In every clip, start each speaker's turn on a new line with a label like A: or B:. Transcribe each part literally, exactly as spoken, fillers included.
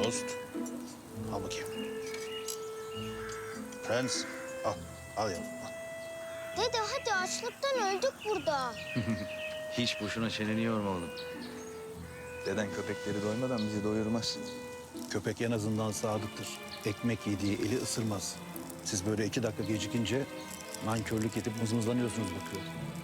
A: tost. Al bakayım. Prens, al. Al yavrum, al.
B: Dede hadi açlıktan öldük burada.
C: Hiç boşuna çeneni yorma oğlum.
D: Deden köpekleri doymadan bizi doyurmaz.
A: Köpek en azından sadıktır. Ekmek yediği eli ısırmaz. Siz böyle iki dakika gecikince nankörlük edip mızmızlanıyorsunuz bakıyor.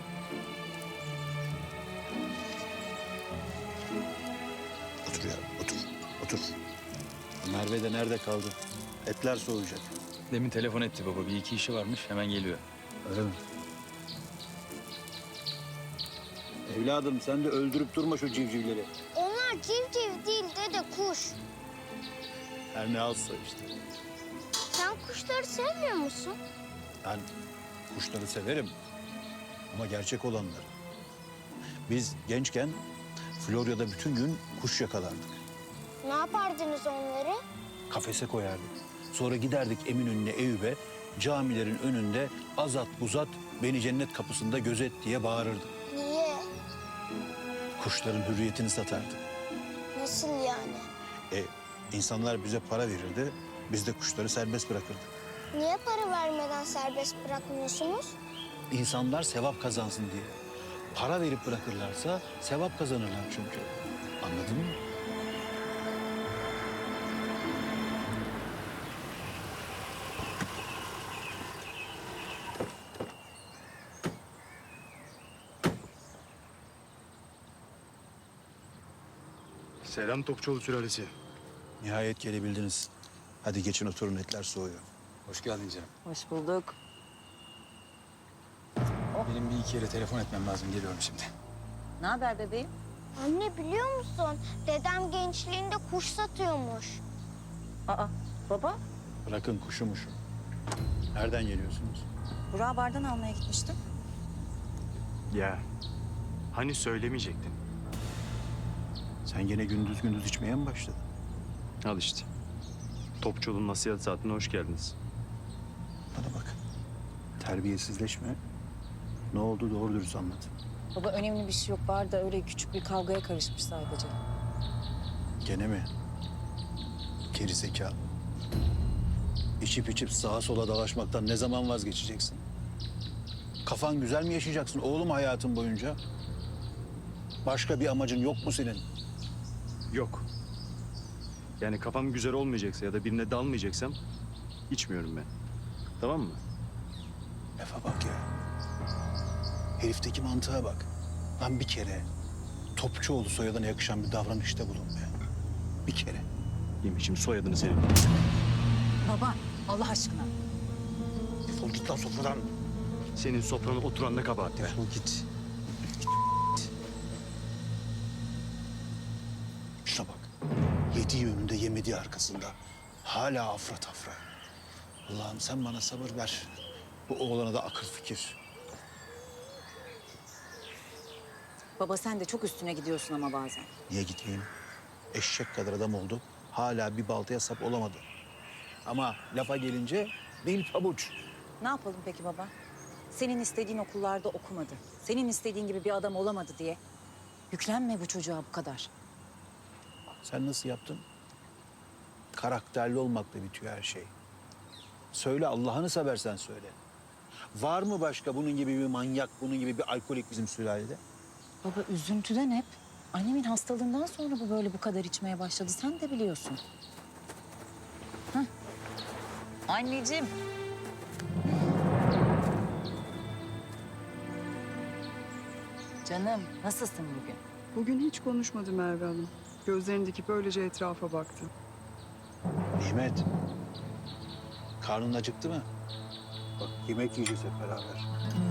A: Otur ya, otur, otur. Merve de nerede kaldı? Etler soğuyacak.
C: Demin telefon etti baba. Bir iki işi varmış. Hemen geliyor.
A: Öyle mi? Evladım sen de öldürüp durma şu civcivleri.
B: Onlar civciv değil dede, kuş.
A: Her ne alsa işte.
B: Sen kuşları sevmiyor musun?
A: Ben kuşları severim ama gerçek olanları. Biz gençken Florya'da bütün gün kuş yakalardık.
B: Ne yapardınız onları?
A: Kafese koyardık. Sonra giderdik Eminönü'ne, Eyüp'e, camilerin önünde azat buzat beni cennet kapısında gözet diye bağırırdık.
B: Niye?
A: Kuşların hürriyetini satardık.
B: Nasıl yani?
A: E, insanlar bize para verirdi, biz de kuşları serbest bırakırdık.
B: Niye para vermeden serbest bırakmıyorsunuz?
A: İnsanlar sevap kazansın diye. Para verip bırakırlarsa sevap kazanırlar çünkü. Anladın mı?
E: Selam Topçuoğlu sülalesi.
A: Nihayet gelebildiniz. Hadi geçin oturun, etler soğuyor.
C: Hoş geldin canım.
F: Hoş bulduk.
C: Benim bir iki yere telefon etmem lazım. Geliyorum şimdi.
F: Ne haber bebeğim?
B: Anne biliyor musun? Dedem gençliğinde kuş satıyormuş.
F: Aa, baba,
A: Bırakın kuşumuşu. Nereden geliyorsunuz?
F: Burak'ı bardan almaya gitmiştim.
E: Ya hani söylemeyecektin?
A: Sen gene gündüz gündüz içmeye mi başladın?
E: Al işte. Topçuoğlu'nun nasihat saatine hoş geldiniz.
A: Bana bak. Terbiyesizleşme. Ne oldu doğru dürüst anlat.
F: Baba önemli bir şey yok. Barda öyle küçük bir kavgaya karışmış sadece.
A: Gene mi? Geri zekalı. İçip içip sağa sola dalaşmaktan ne zaman vazgeçeceksin? Kafan güzel mi yaşayacaksın oğlum hayatın boyunca? Başka bir amacın yok mu senin?
E: Yok. Yani kafam güzel olmayacaksa ya da birine dalmayacaksam içmiyorum ben. Tamam mı?
A: Lafa bak ya. Herifteki mantığa bak. Lan bir kere Topçuoğlu soyadına yakışan bir davranışta bulun be. Bir kere.
E: Yemişim soyadını senin.
F: Baba, Allah aşkına.
A: Defol git lan sofradan.
E: Senin sofrana oturan ne kabahat ya.
A: Defol git. Şuna bak. Yediği önünde yemediği arkasında. Hala afra tafra. Allah'ım sen bana sabır ver. Bu oğlana da akıl fikir.
F: Baba sen de çok üstüne gidiyorsun ama bazen.
A: Niye gitmeyeyim? Eşek kadar adam oldu. Hala bir baltaya sap olamadı. Ama lafa gelince dil pabuç.
F: Ne yapalım peki baba? Senin istediğin okullarda okumadı. Senin istediğin gibi bir adam olamadı diye. Yüklenme bu çocuğa bu kadar.
A: Sen nasıl yaptın? Karakterli olmakla bitiyor her şey. Söyle Allah'ını seversen söyle. Var mı başka bunun gibi bir manyak, bunun gibi bir alkolik bizim sülalede?
F: Baba üzüntüden hep. Annemin hastalığından sonra bu böyle bu kadar içmeye başladı. Sen de biliyorsun. Hah. Anneciğim. Canım nasılsın bugün?
G: Bugün hiç konuşmadı Merve Hanım. Gözlerini dikip öylece etrafa baktı.
A: Nimet, karnın acıktı mı? Bak yemek yiyeceğiz hep beraber.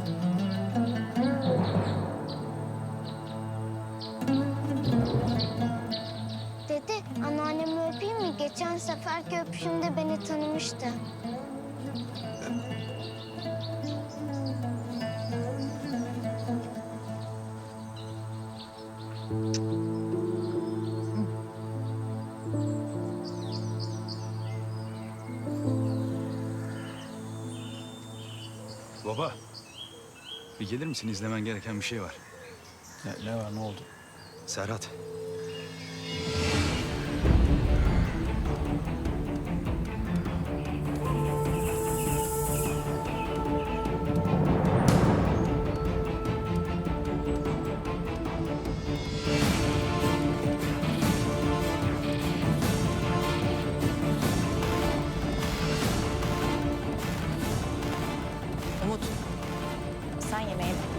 B: Dede anneannemi öpeyim mi? Geçen seferki öpüşümde beni tanımıştı.
C: Baba. Bir gelir misin? İzlemen gereken bir şey var.
A: Ne, ne var, ne oldu?
C: Serhat.
F: Umut, sen yemeğe bak.